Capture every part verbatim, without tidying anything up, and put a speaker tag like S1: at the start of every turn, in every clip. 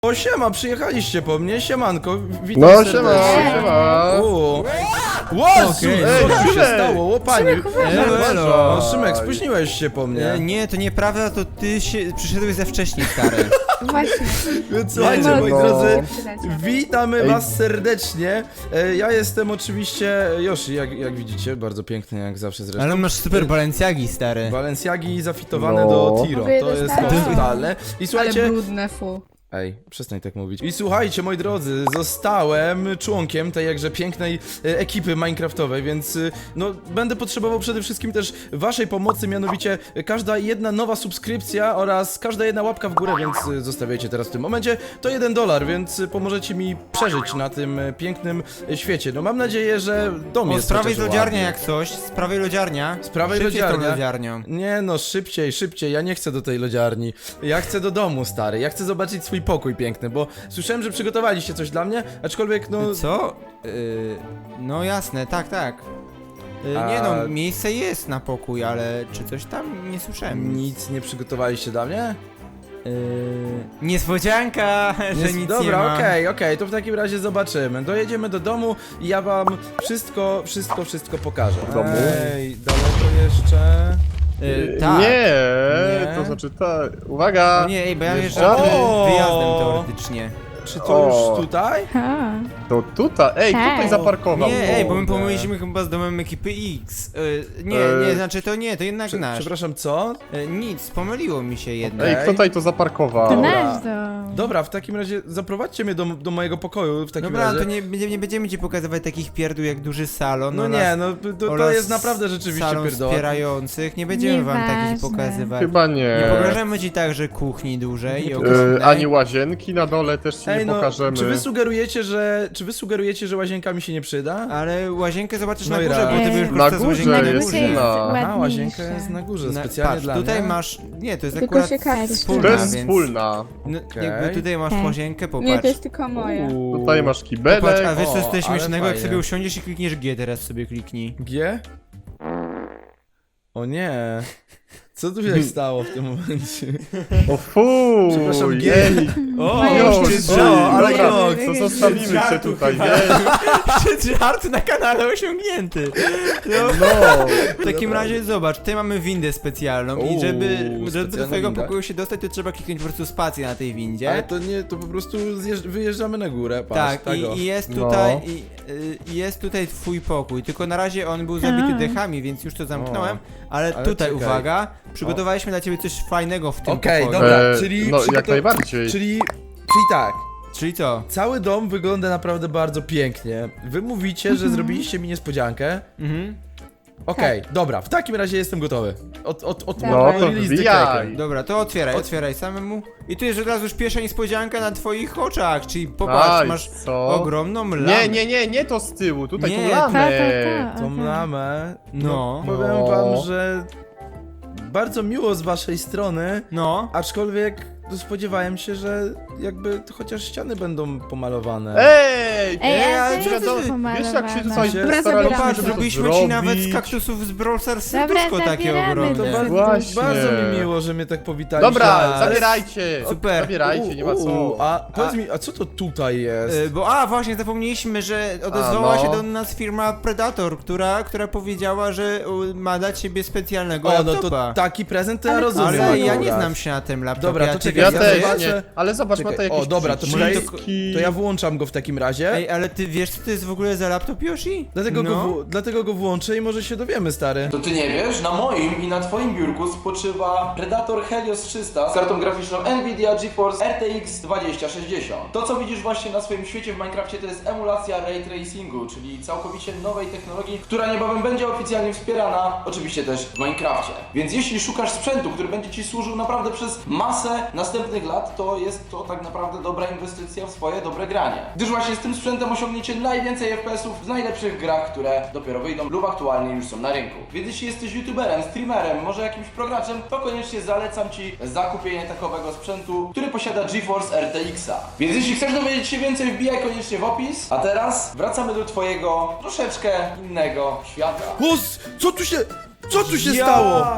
S1: O, siema, przyjechaliście po mnie, siemanko, witam
S2: No
S1: serdecznie.
S2: siema, siema.
S1: U. Łosu,
S3: Okej.
S1: co tu się
S2: Szymek.
S1: stało, łopanie?
S3: Elo, elo.
S1: O, Szymek, spóźniłeś się po mnie.
S3: E, nie, to nieprawda, to ty się przyszedłeś za wcześnie, stary.
S4: Właśnie.
S1: Więc słuchajcie,
S4: No,
S1: moi
S2: no.
S1: drodzy,
S4: Przydacie.
S1: witamy
S2: Ej.
S1: was serdecznie. E, Ja jestem oczywiście Yoshi, jak, jak widzicie, bardzo piękny, jak zawsze zresztą.
S3: Ale masz super Balenciagi, stary.
S1: Balenciagi zafitowane
S2: No.
S1: do Tiro,
S4: Mówię,
S1: to jest
S4: dostałam.
S1: totalne. I
S4: Ale
S1: słuchajcie,
S4: brudne, fu.
S1: Ej, przestań tak mówić. I słuchajcie, moi drodzy, zostałem członkiem tej jakże pięknej e, ekipy minecraftowej, więc e, no będę potrzebował przede wszystkim też waszej pomocy, mianowicie e, każda jedna nowa subskrypcja oraz każda jedna łapka w górę, więc e, zostawiajcie teraz w tym momencie, to jeden dolar, więc e, pomożecie mi przeżyć na tym e, pięknym e, świecie. No mam nadzieję, że dom
S3: O,
S1: jest
S3: z prawej
S1: chociaż
S3: lodziarnia
S1: ładny.
S3: jak coś, z prawej lodziarnia.
S1: Z prawej
S3: Szybciej z tą
S1: lodziarnia.
S3: lodziarnią.
S1: Nie no, szybciej, szybciej, ja nie chcę do tej lodziarni. Ja chcę do domu, stary, ja chcę zobaczyć swój pokój piękny, bo słyszałem, że przygotowaliście coś dla mnie, aczkolwiek no...
S3: Co? Y, no jasne, tak, tak. Y,
S1: A-
S3: Nie no, miejsce jest na pokój, ale czy coś tam nie słyszałem?
S1: Nic nie przygotowaliście dla mnie?
S3: Y, niespodzianka, że
S1: Jest-
S3: nic
S1: Dobra,
S3: nie ma.
S1: okej, okej, to w takim razie zobaczymy. Dojedziemy do domu i ja wam wszystko, wszystko, wszystko pokażę.
S2: W domu?
S1: Ej, daleko jeszcze...
S3: Y, tak.
S2: Nie,
S1: Nie.
S2: to znaczy tak. Uwaga!
S3: O nie, ej, bo ja
S1: Wiesz-
S3: jeżdżę
S1: O!
S3: wyjazdem teoretycznie.
S1: Czy to
S2: O.
S1: już tutaj?
S4: Ha.
S2: To tutaj, ej,
S4: Tak.
S2: tutaj zaparkował.
S3: Nie, ej, bo my
S1: Kurde.
S3: pomyliliśmy chyba z domem ekipy X. Y, nie,
S2: E,
S3: nie, znaczy to nie, to jednak
S1: Prze
S3: nasz.
S1: przepraszam, co?
S3: Y, nic, pomyliło mi się jednak.
S2: Ej,
S1: Okej.
S2: kto tutaj to zaparkował?
S4: To
S1: Dobra.
S4: nasz dom.
S1: Dobra, w takim razie zaprowadźcie mnie do, do mojego pokoju, w takim
S3: Dobra,
S1: razie.
S3: to nie, nie, nie będziemy ci pokazywać takich pierdół jak duży salon.
S1: No
S3: oraz-
S1: nie, no to, to
S3: oraz
S1: jest naprawdę rzeczywiście
S3: salon
S1: pierdoła.
S3: wspierających, nie będziemy wam takich
S4: Nieważne.
S3: pokazywać.
S2: Chyba nie.
S3: Nie pokażemy ci także kuchni dużej i
S1: Nie
S3: ogromnej.
S2: E, ani łazienki na dole też ci
S1: Ej,
S2: nie
S1: no,
S2: pokażemy.
S1: czy wy sugerujecie, że, czy wy sugerujecie, że łazienka mi się nie przyda?
S3: Ale łazienkę zobaczysz
S1: No
S3: na
S1: i
S3: górze,
S1: raz.
S3: bo ty
S4: Ej.
S3: będziesz
S2: Na
S3: korzystał z
S2: górze
S3: łazienki na
S2: jest
S3: górze.
S2: inna.
S1: Aha,
S4: ładniejsze.
S1: łazienka jest na górze,
S3: Na,
S1: specjalnie
S3: patrz,
S1: dla
S3: tutaj
S1: mnie.
S3: masz... Nie, to jest
S4: Tylko
S3: akurat
S4: się każe.
S3: wspólna,
S2: To jest
S3: więc...
S2: wspólna.
S3: No,
S1: Okej.
S3: jakby tutaj masz
S4: Tak.
S3: łazienkę,
S4: Nie,
S3: popatrz.
S4: to jest tylko moja.
S1: Uuu.
S2: Tutaj masz
S3: Popatrz,
S2: kibelek.
S3: a wiesz co jest
S1: O,
S3: tutaj
S1: ale
S3: śmiesznego? Jak
S1: fajnie.
S3: sobie usiądziesz i klikniesz G, teraz sobie kliknij.
S1: G? O nie. Co tu się stało w tym momencie?
S2: O fu!
S1: Przepraszam, G.
S2: jej.
S3: O,
S2: Jo,
S4: jeszcze
S2: ty,
S1: o, ale
S2: dobra,
S1: krok.
S2: to zostawimy cię
S3: Żartu
S2: tutaj,
S3: chyba.
S2: nie?
S3: Żart na kanale osiągnięty. No.
S2: No.
S3: W takim razie zobacz, tutaj mamy windę specjalną i
S1: Uuu,
S3: żeby, żeby do
S1: specjalna
S3: twojego
S1: winda.
S3: pokoju się dostać, to trzeba kliknąć po prostu spację na tej windzie.
S1: Ale to nie, to po prostu zjeżdż- wyjeżdżamy na górę, patrz,
S3: Tak,
S1: tak o.
S3: i, i jest
S2: No.
S3: tutaj i, y, jest tutaj twój pokój, tylko na razie on był zabity
S4: A.
S3: dechami, więc już to zamknąłem, ale,
S1: Ale
S3: tutaj
S1: czekaj.
S3: uwaga, przygotowaliśmy dla ciebie coś fajnego w tym
S1: Okej,
S3: pokoju.
S1: dobra,
S2: E,
S1: czyli...
S2: no,
S1: przygotow-
S2: jak najbardziej.
S1: Czyli... Czyli tak.
S3: Czyli co?
S1: Cały dom wygląda naprawdę bardzo pięknie. Wy mówicie, że zrobiliście mi niespodziankę.
S3: Mhm.
S1: Okej, dobra, w takim razie jestem gotowy. Od, od, od,
S4: No,
S1: od
S2: to
S1: release the
S2: wbijaj.
S1: kraken.
S3: Dobra, to otwieraj,
S1: Ot-
S3: otwieraj samemu. I tu jest od razu już pierwsza niespodzianka na twoich oczach, czyli popatrz,
S2: Aj,
S3: masz
S2: co?
S3: ogromną lamę.
S2: Nie, nie, nie, nie to z tyłu, tutaj
S3: Nie,
S2: tą lamę.
S4: Ta, ta, ta.
S1: Tą
S4: Aha.
S1: lamę.
S3: No.
S1: Powiem
S2: No.
S1: wam, że bardzo miło z waszej strony,
S3: No.
S1: aczkolwiek spodziewałem się, że jakby to chociaż ściany będą pomalowane.
S2: Ej!
S4: Ej,
S3: ale
S4: ale
S3: co
S4: to
S3: ty-
S4: jest
S2: Wiesz jak się tutaj
S1: Dobra,
S2: staraliśmy,
S4: zabieramy.
S3: Popatrz,
S2: żeby to
S3: zrobiliśmy ci nawet z
S2: zrobić?
S3: kaktusów z Brawl Stars
S4: Dobra,
S3: serduszko takie
S4: zabieramy
S1: To
S3: ogromne.
S4: to.
S1: bardzo,
S2: Właśnie.
S1: bardzo mi miło, że mnie tak powitaliście.
S2: Dobra,
S1: ale-
S2: zabierajcie!
S3: Super.
S2: Zabierajcie, nie ma
S1: U,
S2: co.
S1: A powiedz mi, a co to tutaj jest?
S3: Y, Bo a właśnie zapomnieliśmy, że odezwała
S2: A, no.
S3: się do nas firma Predator, która, która powiedziała, że u, ma dla ciebie specjalnego
S1: O, no
S3: laptopa.
S1: to taki prezent to ja
S4: Ale
S1: rozumiem.
S3: Ale ja
S1: akurat.
S3: nie znam się na tym laptopie.
S1: Dobra, to
S3: a ty
S1: czekaj,
S2: Ja
S3: wiesz,
S1: ja
S3: co
S2: też
S3: to
S1: zobaczę.
S3: jest?
S2: nie, ale zobacz, ma to
S1: Czekaj,
S2: jakieś
S1: o, dobra, to
S2: przyciski.
S1: To ja włączam go w takim razie.
S3: Ej, ale ty wiesz co to jest w ogóle za laptop, Yoshi?
S1: Dlatego,
S3: no.
S1: go, w- dlatego go włączę i może się dowiemy, stary.
S5: To ty nie wiesz? Na moim i na twoim biurku spoczywa Predator Helios trzysta z kartą graficzną Nvidia GeForce R T X dwadzieścia sześćdziesiąt. To co widzisz właśnie na swoim świecie w Minecrafcie to jest emulacja Ray Tracingu, czyli całkowicie nowej technologii, która niebawem będzie oficjalnie wspierana, oczywiście też w Minecrafcie. Więc jeśli szukasz sprzętu, który będzie ci służył naprawdę przez masę następnych lat, to jest to tak naprawdę dobra inwestycja w swoje dobre granie. Gdyż właśnie z tym sprzętem osiągniecie najwięcej F P S ów w najlepszych grach, które dopiero wyjdą lub aktualnie już są na rynku. Więc jeśli jesteś youtuberem, streamerem, może jakimś programem, to koniecznie zalecam ci zakupienie takowego sprzętu, który posiada GeForce R T X-a. Więc jeśli chcesz dowiedzieć się więcej, wbijaj koniecznie w opis. A teraz wracamy do twojego troszeczkę innego świata.
S1: Os, co tu się... Co tu się
S3: Ja-
S1: stało?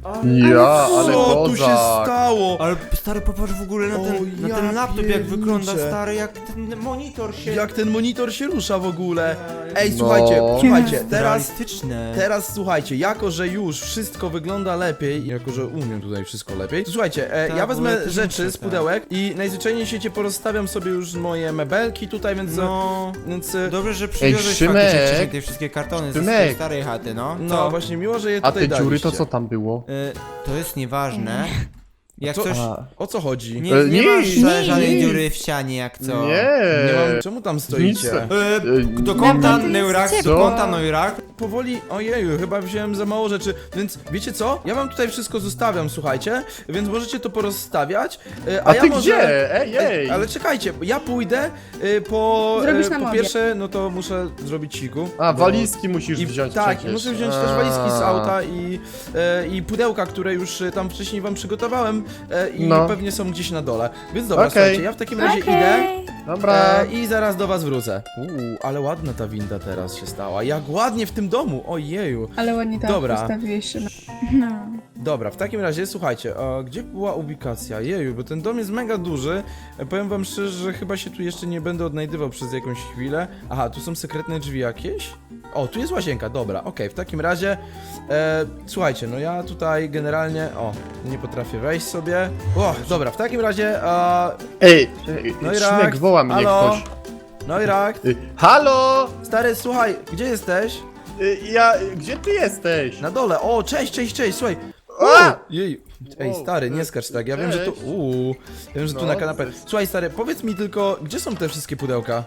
S2: Ja, ale
S1: Co tu się
S2: kozak.
S1: stało?
S3: Ale stary, popatrz w ogóle na
S1: O,
S3: ten, na
S1: ja
S3: ten laptop, jak
S1: pierniczę.
S3: wygląda, stary, jak ten monitor się...
S1: Jak ten monitor się rusza w ogóle? Ej,
S2: No.
S1: słuchajcie, słuchajcie, teraz...
S3: Realistyczne.
S1: Teraz słuchajcie, jako że już wszystko wygląda lepiej, jako że umiem tutaj wszystko lepiej, to słuchajcie, e,
S3: Tak,
S1: ja
S3: bo
S1: wezmę
S3: ja też
S1: rzeczy
S3: muszę,
S1: z
S3: tak.
S1: pudełek i najzwyczajniej w świecie porozstawiam sobie już moje mebelki tutaj, więc...
S3: No...
S1: więc e,
S3: Dobrze, że przywiozłeś
S2: Szymek.
S3: faktycznie wcześniej te wszystkie kartony ze
S2: Szymek.
S3: swojej starej chaty, no.
S1: no
S3: Co?
S1: właśnie, miło, że je
S2: A
S1: tutaj
S2: te dziury to
S1: daliście.
S2: co tam było?
S3: Y, to jest nieważne. Jak
S1: Co-
S3: coś...
S2: A.
S1: O co chodzi?
S3: Nie,
S2: E,
S3: nie
S2: nie,
S3: masz
S2: nie,
S3: żadnej
S2: nie.
S3: dziury w ścianie, jak co?
S2: Nie.
S1: Nie mam... Czemu tam stoicie?
S2: Nic.
S3: Y, do kąta
S4: No to jest
S3: Neurak, do
S2: ciepło.
S3: kąta Neurak.
S1: Powoli, ojeju, chyba wziąłem za mało rzeczy, więc wiecie co? Ja wam tutaj wszystko zostawiam, słuchajcie, więc możecie to porozstawiać, e, a,
S2: A
S1: ja
S2: ty
S1: może...
S2: gdzie? Ej, ej.
S1: Ale czekajcie, ja pójdę y, po...
S4: Zrobisz
S1: y,
S4: nam
S1: po
S4: obiad.
S1: pierwsze, no to muszę zrobić siku.
S2: A,
S1: bo-
S2: walizki musisz
S1: I,
S2: wziąć
S1: tak,
S2: przecież.
S1: i muszę wziąć
S2: A.
S1: też walizki z auta i, e, i pudełka, które już e, tam wcześniej wam przygotowałem e, i
S2: No.
S1: pewnie są gdzieś na dole. Więc dobra,
S2: Okej.
S1: słuchajcie, ja w takim razie idę
S4: Okej.
S2: Dobra.
S1: e, i zaraz do was wrócę. Uuu, ale ładna ta winda teraz się stała. Jak ładnie w tym domu, ojeju.
S4: Ale ładnie to
S1: Dobra.
S4: postawiłeś, Szymon. No.
S1: Dobra, w takim razie, słuchajcie, a gdzie była ubikacja? Jeju, bo ten dom jest mega duży. E, Powiem wam szczerze, że chyba się tu jeszcze nie będę odnajdywał przez jakąś chwilę. Aha, tu są sekretne drzwi jakieś? O, tu jest łazienka, dobra, okej, w takim razie, e, słuchajcie, no ja tutaj generalnie, o, nie potrafię wejść sobie. O, dobra, w takim razie, a,
S2: Ej, ej,
S1: no i
S2: Szymek,
S1: rak,
S2: woła mnie
S1: halo,
S2: ktoś.
S1: no i rak,
S2: Ej, halo!
S1: stary, słuchaj, gdzie jesteś?
S2: Ej, Ja, gdzie ty jesteś?
S1: Na dole, o, cześć, cześć, cześć, słuchaj.
S2: A!
S1: Jej, ej
S2: Wow,
S1: stary, nie
S2: cześć.
S1: skacz tak, ja wiem, że tu,
S2: Cześć.
S1: uuu, ja wiem, że tu
S2: No,
S1: na kanapę.
S2: cześć.
S1: Słuchaj stary, powiedz mi tylko, gdzie są te wszystkie pudełka?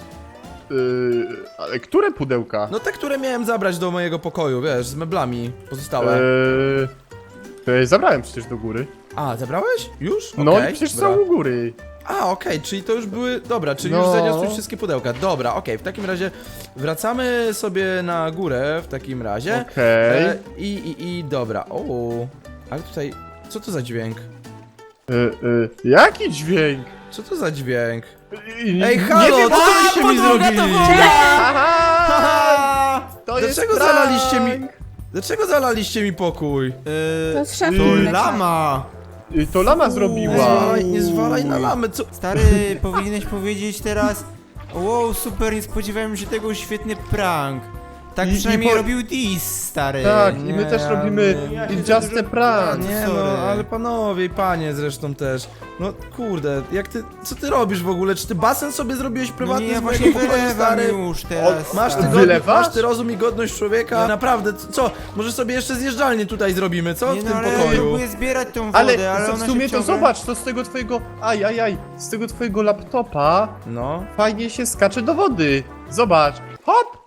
S2: Yy, ale które pudełka?
S1: No te, które miałem zabrać do mojego pokoju, wiesz, z meblami pozostałe.
S2: Eee, to ja zabrałem przecież do góry.
S1: A, zabrałeś? Już?
S2: No
S1: Okej,
S2: i przecież
S1: dobra.
S2: są u góry.
S1: A, okej, czyli to już były, dobra, czyli
S2: No.
S1: już zaniosłeś wszystkie pudełka, dobra, okej, w takim razie wracamy sobie na górę, w takim razie.
S2: Okej.
S1: E, I, i, i, dobra, o, ale tutaj, co to za dźwięk?
S2: Yy, yy, jaki dźwięk?
S1: Co to za dźwięk?
S2: Yy,
S1: Ej,
S2: nie
S1: halo,
S2: wiem,
S1: co
S2: a,
S1: byście mi
S3: podłoga to
S1: zrobili?
S3: woda!
S2: Haha! To jest
S1: Dlaczego
S2: prank!
S1: zalaliście mi... Dlaczego zalaliście mi pokój?
S3: Y,
S4: To z szafy
S3: to
S4: wyleciało.
S3: lama.
S2: Yy, To lama
S1: Nie
S2: zrobiła.
S1: zwalaj, nie zwalaj na lamę, co...
S3: Stary, powinieneś powiedzieć teraz. Wow, super, nie spodziewałem się tego, świetny prank. Tak
S2: I- i
S3: przynajmniej
S2: po-
S3: robił Dis, stary.
S2: Tak, i
S1: Nie,
S2: my też
S1: ja
S2: robimy
S1: nie-
S3: ja się
S2: It's
S3: za
S2: just
S3: dużo
S2: a prank.
S3: prank.
S1: Nie
S3: sorry.
S1: no, ale panowie i panie zresztą też. No kurde, jak ty, co ty robisz w ogóle? Czy ty basen sobie zrobiłeś
S3: No
S1: prywatny
S3: nie, ja
S1: z mojego
S3: właśnie
S1: pokoju,
S3: wylewam
S1: stary?
S3: już teraz.
S1: Masz ty,
S3: stary.
S1: godny,
S2: Wylewasz?
S1: masz ty rozum i godność człowieka? Naprawdę, c- co? Może sobie jeszcze zjeżdżalnię tutaj zrobimy, co?
S3: Nie
S1: W
S3: no,
S1: tym
S3: ale ja
S1: pokoju.
S3: próbuję zbierać tą wodę,
S2: Ale,
S3: ale,
S2: w
S3: ona
S2: sumie
S3: się
S2: to
S3: ciągle...
S2: zobacz, to z tego twojego. Aj, aj, aj. Z tego twojego laptopa
S1: No.
S2: fajnie się skacze do wody. Zobacz. Hop!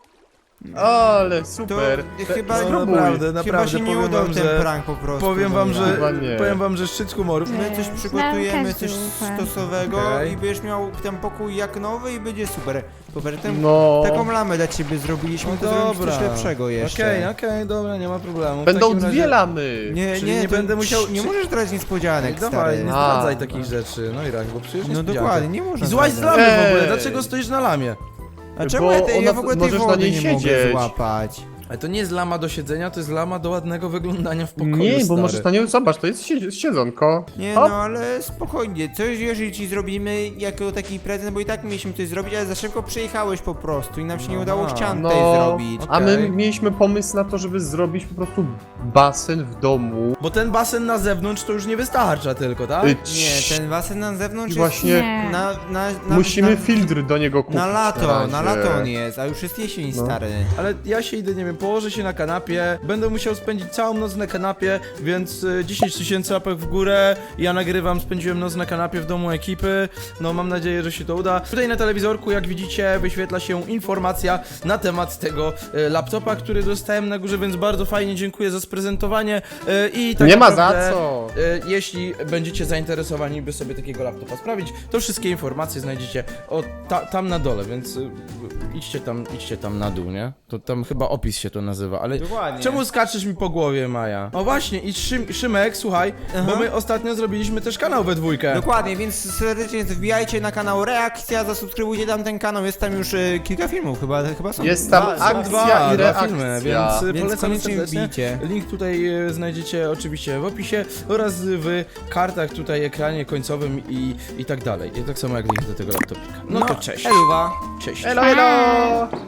S2: Ale
S3: To
S2: super.
S3: chyba,
S1: No,
S2: spróbuj.
S1: naprawdę,
S3: chyba
S1: naprawdę
S3: się nie
S1: powiem
S3: udał
S1: wam,
S3: ten
S1: że...
S3: prank po prostu.
S1: Powiem wam,
S3: no
S1: że...
S2: Chyba nie.
S1: Powiem wam, że szczyt humoru.
S3: My coś
S4: Znam
S3: przygotujemy, coś
S4: każdy
S3: stosowego
S1: Okej.
S3: i będziesz miał ten pokój jak nowy i będzie super. Super, ten,
S2: No.
S3: taką lamę dla ciebie zrobiliśmy,
S1: No
S3: to zrobić
S1: dobra.
S3: coś lepszego jeszcze.
S1: Okej, okej, dobra, nie ma problemu. W
S2: Będą
S1: takim razie-
S2: dwie lamy.
S3: Nie,
S1: Czyli
S3: nie,
S1: nie
S3: to-
S1: będę musiał-
S3: Nie
S1: czy-
S3: możesz brać niespodzianek,
S1: Dawaj,
S3: stary.
S1: nie
S2: A.
S1: zdradzaj takich rzeczy. No i rak, bo przecież
S3: No
S1: niespodzianka.
S3: dokładnie, nie można
S1: I złaź z
S3: zdradzać.
S1: lamy w ogóle,
S2: Ej.
S1: dlaczego stoisz na lamie?
S3: A czemu
S2: Bo
S3: ja, tej, ja
S2: ona-
S3: w ogóle tej
S2: możesz na
S3: wody
S2: niej
S3: nie mogę
S2: siedzieć.
S3: złapać?
S1: Ale to nie jest lama do siedzenia, to jest lama do ładnego wyglądania w pokoju,
S2: Nie, bo
S1: stary.
S2: możesz na nią, zobacz, to jest siedz- siedzonko.
S3: Nie
S2: Hop.
S3: no, ale spokojnie, coś jeżeli ci zrobimy jako taki prezent, bo i tak mieliśmy coś zrobić, ale za szybko przyjechałeś po prostu i nam się nie udało
S1: Aha,
S3: ścian
S2: no.
S3: tej zrobić.
S1: Okej.
S2: A my mieliśmy pomysł na to, żeby zrobić po prostu basen w domu.
S1: Bo ten basen na zewnątrz to już nie wystarcza tylko, tak?
S2: Y,
S3: Nie, ten basen na zewnątrz
S2: I właśnie
S4: Nie.
S3: jest na, na, na,
S2: musimy
S3: na,
S2: filtr do niego kupić.
S3: na lato,
S2: razie.
S3: na lato on jest, a już jest jesień,
S2: No.
S3: stary.
S1: Ale ja się idę, nie wiem, położę się na kanapie, będę musiał spędzić całą noc na kanapie, więc y, dziesięć tysięcy łapek w górę, ja nagrywam, spędziłem noc na kanapie w domu ekipy, no mam nadzieję, że się to uda. Tutaj na telewizorku, jak widzicie, wyświetla się informacja na temat tego y, laptopa, który dostałem na górze, więc bardzo fajnie dziękuję za sprezentowanie y, i tak
S2: Nie ma za
S1: naprawdę,
S2: co.
S1: y, jeśli będziecie zainteresowani, by sobie takiego laptopa sprawić, to wszystkie informacje znajdziecie o, ta, tam na dole, więc y, idźcie tam, idźcie tam na dół, nie? To tam chyba opis się to nazywa, ale
S3: Dokładnie.
S1: czemu skaczesz mi po głowie, Maja? O właśnie, i Szym, Szymek, słuchaj,
S3: Aha.
S1: bo my ostatnio zrobiliśmy też kanał we dwójkę.
S3: Dokładnie, więc serdecznie wbijajcie na kanał Reakcja, zasubskrybujcie tam ten kanał, jest tam już e, kilka filmów, chyba, chyba są
S2: Jest tam
S3: dwa,
S2: akcja
S1: Dwa,
S2: i
S1: dwa
S2: reakcja.
S1: filmy, więc, y,
S3: Więc
S1: polecam
S3: koniecznie
S1: serdecznie.
S3: wbijcie.
S1: Link tutaj e, znajdziecie oczywiście w opisie oraz w kartach tutaj, ekranie końcowym i, i tak dalej. I tak samo jak link do tego laptopika. No, to cześć.
S3: Eluwa.
S1: Cześć.
S2: Elo, elo!